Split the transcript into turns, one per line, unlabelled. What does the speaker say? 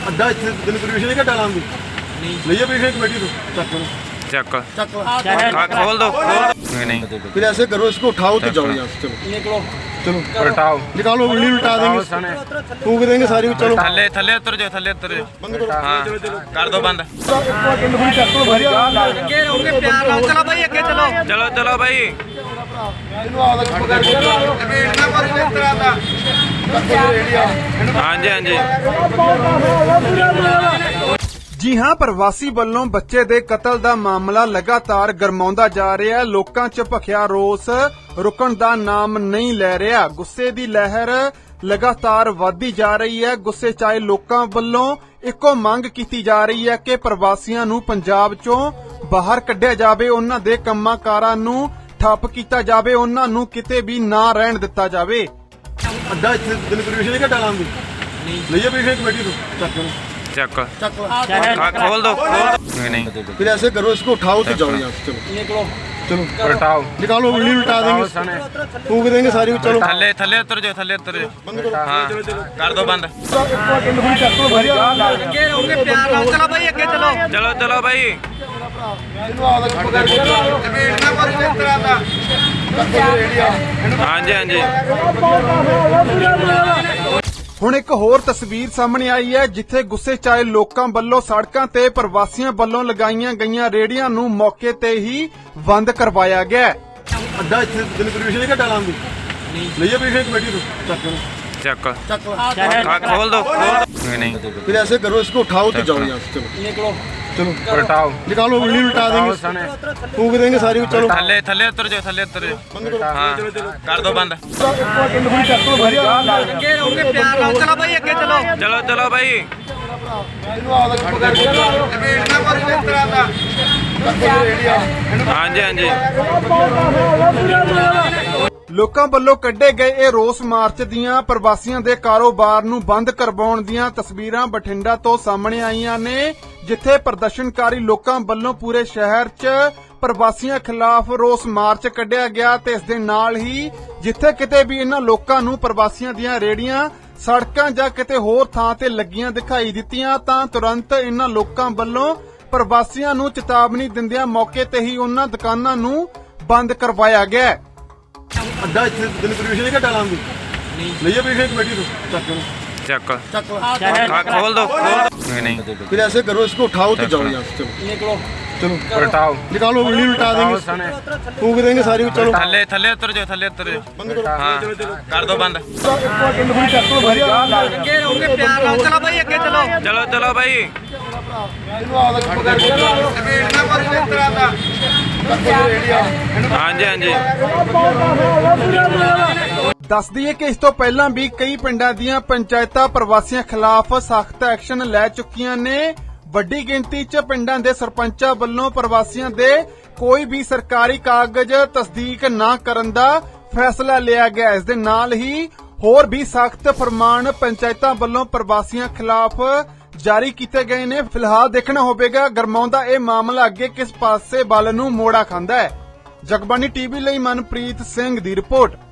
ਅੱਧਾ ਇੱਥੇ ਦਿਨ ਪਰਮਿਸ਼ਨ ਨਹੀਂ ਘਟਾ ਲਾਂਗੇ ਲਈਏ ਪਰਮਿਸ਼ਨ ਕमेटी ਤੋਂ
ਚੱਕ
ਚੱਕ
खोल दो नहीं
फिर ऐसे करो इसको उठाओ तो जाओ यहाँ से चलो चलो
उठाओ
निकालो उंगली उल्टा देंगे फूक देंगे सारी चलो
थल्ले थल्ले उतर जाओ
बंद करो
हाँ कर दो बंद
चलो
भाई अगे चलो चलो भाई हाँ जी हाँ जी
ਜੀ ਹਾਂ ਪ੍ਰਵਾਸੀ ਵੱਲੋਂ ਬੱਚੇ ਦੇ ਕਤਲ ਦਾ ਮਾਮਲਾ ਲਗਾਤਾਰ ਗਰਮਾਉਂਦਾ ਜਾ ਰਿਹਾ ਹੈ। ਲੋਕਾਂ 'ਚ ਭਖਿਆ ਰੋਸ ਰੁਕਣ ਦਾ ਨਾਮ ਨਹੀਂ ਲੈ ਰਿਹਾ। ਗੁੱਸੇ ਦੀ ਲਹਿਰ ਲਗਾਤਾਰ ਵਧਦੀ ਜਾ ਰਹੀ ਹੈ। ਗੁੱਸੇ 'ਚ ਆਏ ਲੋਕਾਂ ਵੱਲੋਂ ਇੱਕੋ ਮੰਗ ਕੀਤੀ ਜਾ ਰਹੀ ਹੈ ਕਿ ਪ੍ਰਵਾਸੀਆਂ ਨੂੰ ਪੰਜਾਬ 'ਚੋਂ ਬਾਹਰ ਕੱਢਿਆ ਜਾਵੇ, ਉਹਨਾਂ ਦੇ ਕੰਮਾਂ ਕਾਰਾਂ ਨੂੰ ਠੱਪ ਕੀਤਾ ਜਾਵੇ, ਉਹਨਾਂ ਨੂੰ ਕਿਤੇ ਵੀ ਨਾ ਰਹਿਣ ਦਿੱਤਾ ਜਾਵੇ।
ਅੱਧਾ ਇੱਥੇ ਦਿਨ ਪਰਮਿਸ਼ਨ ਨਹੀਂ ਘਟਾ ਲਾਂਗੇ ਲਈਏ ਪਰਮਿਸ਼ਨ ਕमेटी ਤੋਂ
ਚੱਕ
ਚੱਕ
खोल दो नहीं
फिर ऐसे करो इसको उठाओ तो जाओ यहाँ से चलो चलो
उठाओ
निकालो उंगली उल्टा देंगे फूक देंगे सारी चलो
थल्ले थल्ले उतर जाओ
बंद करो
हाँ कर दो बंद चलो चलो भाई हाँ जी हाँ जी
ਹੁਣ ਇੱਕ ਹੋਰ ਤਸਵੀਰ ਸਾਹਮਣੇ ਆਈ ਹੈ ਜਿੱਥੇ ਗੁੱਸੇ 'ਚ ਆਏ ਲੋਕਾਂ ਵੱਲੋਂ ਸੜਕਾਂ ਤੇ ਪ੍ਰਵਾਸੀਆਂ ਵੱਲੋਂ ਲਗਾਈਆਂ ਗਈਆਂ ਰੇਹੜੀਆਂ ਨੂੰ ਮੌਕੇ ਤੇ ਹੀ ਬੰਦ ਕਰਵਾਇਆ ਗਿਆ।
ਅੱਧਾ ਇੱਥੇ ਦਿਨ ਪਰਮਿਸ਼ਨ ਨਹੀਂ ਘਟਾ ਲਾਂਗੇ ਲਈਏ ਪਰਮਿਸ਼ਨ कमेटी ਤੋਂ
ਚੱਕ
ਚੱਕ
खोल दो नहीं
फिर ऐसे करो इसको उठाओ तो जाओ यहाँ से चलो
उठाओ
निकालो उंगली उल्टा देंगे फूक देंगे सारी चलो
थल्ले थल्ले उतर जाओ
बंद करो
हाँ कर दो बंद चलो चलो भाई हाँ जी हाँ जी
ਲੋਕਾਂ ਵੱਲੋਂ ਕੱਢੇ ਗਏ ਇਹ ਰੋਸ ਮਾਰਚ ਦੀਆਂ ਪ੍ਰਵਾਸੀਆਂ ਦੇ ਕਾਰੋਬਾਰ ਨੂੰ ਬੰਦ ਕਰਵਾਉਣ ਦੀਆਂ ਤਸਵੀਰਾਂ ਬਠਿੰਡਾ ਤੋਂ ਸਾਹਮਣੇ ਆਈਆਂ ਨੇ, ਜਿੱਥੇ ਪ੍ਰਦਰਸ਼ਨਕਾਰੀ ਲੋਕਾਂ ਵੱਲੋਂ ਪੂਰੇ ਸ਼ਹਿਰ 'ਚ ਪ੍ਰਵਾਸੀਆਂ ਖਿਲਾਫ ਰੋਸ ਮਾਰਚ ਕੱਢਿਆ ਗਿਆ ਤੇ ਇਸ ਦੇ ਨਾਲ ਹੀ ਜਿੱਥੇ ਕਿਤੇ ਵੀ ਇਹਨਾਂ ਲੋਕਾਂ ਨੂੰ ਪ੍ਰਵਾਸੀਆਂ ਦੀਆਂ ਰੇਹੜੀਆਂ ਸੜਕਾਂ ਜਾਂ ਕਿਤੇ ਹੋਰ ਥਾਂ ਤੇ ਲੱਗੀਆਂ ਦਿਖਾਈ ਦਿੱਤੀਆਂ ਤਾਂ ਤੁਰੰਤ ਇਹਨਾਂ ਲੋਕਾਂ ਵੱਲੋਂ ਪ੍ਰਵਾਸੀਆਂ ਨੂੰ ਚੇਤਾਵਨੀ ਦਿੰਦਿਆਂ ਮੌਕੇ ਤੇ ਹੀ ਉਹਨਾਂ ਦੁਕਾਨਾਂ ਨੂੰ ਬੰਦ ਕਰਵਾਇਆ ਗਿਆ।
ਅੱਧਾ ਇੱਥੇ ਦਿਨ ਪਰਮਿਸ਼ਨ ਨਹੀਂ ਘਟਾ ਲਾਂਗੇ ਲਈਏ ਪਰਮਿਸ਼ਨ कमेटी ਤੋਂ
ਚੱਕ
ਚੱਕ
खोल दो नहीं
फिर ऐसे करो इसको उठाओ तो जाओ यहाँ से चलो
उठाओ
निकालो उंगली उल्टा देंगे फूक देंगे सारी चलो
थल्ले थल्ले उतर जाओ
बंद करो
हाँ कर दो बंद चलो चलो भाई हाँ जी हाँ जी
ਦੱਸ ਦਈਏ ਕਿ ਇਸ ਤੋਂ ਪਹਿਲਾਂ ਵੀ ਕਈ ਪਿੰਡਾਂ ਦੀਆਂ ਪੰਚਾਇਤਾਂ ਪ੍ਰਵਾਸੀਆਂ ਖਿਲਾਫ ਸਖਤ ਐਕਸ਼ਨ ਲੈ ਚੁੱਕੀਆਂ ਨੇ। ਵੱਡੀ ਗਿਣਤੀ 'ਚ ਪਿੰਡਾਂ ਦੇ ਸਰਪੰਚਾਂ ਵੱਲੋਂ ਪ੍ਰਵਾਸੀਆਂ ਦੇ ਕੋਈ ਵੀ ਸਰਕਾਰੀ ਕਾਗਜ਼ ਤਸਦੀਕ ਨਾ ਕਰਨ ਦਾ ਫੈਸਲਾ ਲਿਆ ਗਿਆ। ਇਸ ਦੇ ਨਾਲ ਹੀ ਹੋਰ ਵੀ ਸਖਤ ਫਰਮਾਨ ਪੰਚਾਇਤਾਂ ਵੱਲੋਂ ਪ੍ਰਵਾਸੀਆਂ ਖਿਲਾਫ ਜਾਰੀ ਕੀਤੇ ਗਏ ਨੇ। ਫਿਲਹਾਲ ਦੇਖਣਾ ਹੋਵੇਗਾ ਗਰਮਾਉਂਦਾ ਇਹ ਮਾਮਲਾ ਅੱਗੇ ਕਿਸ ਪਾਸੇ ਵੱਲ ਨੂੰ ਮੋੜਾ ਖਾਂਦਾ ਹੈ। ਜਗਬਾਣੀ ਟੀਵੀ ਲਈ ਮਨਪ੍ਰੀਤ ਸਿੰਘ ਦੀ ਰਿਪੋਰਟ।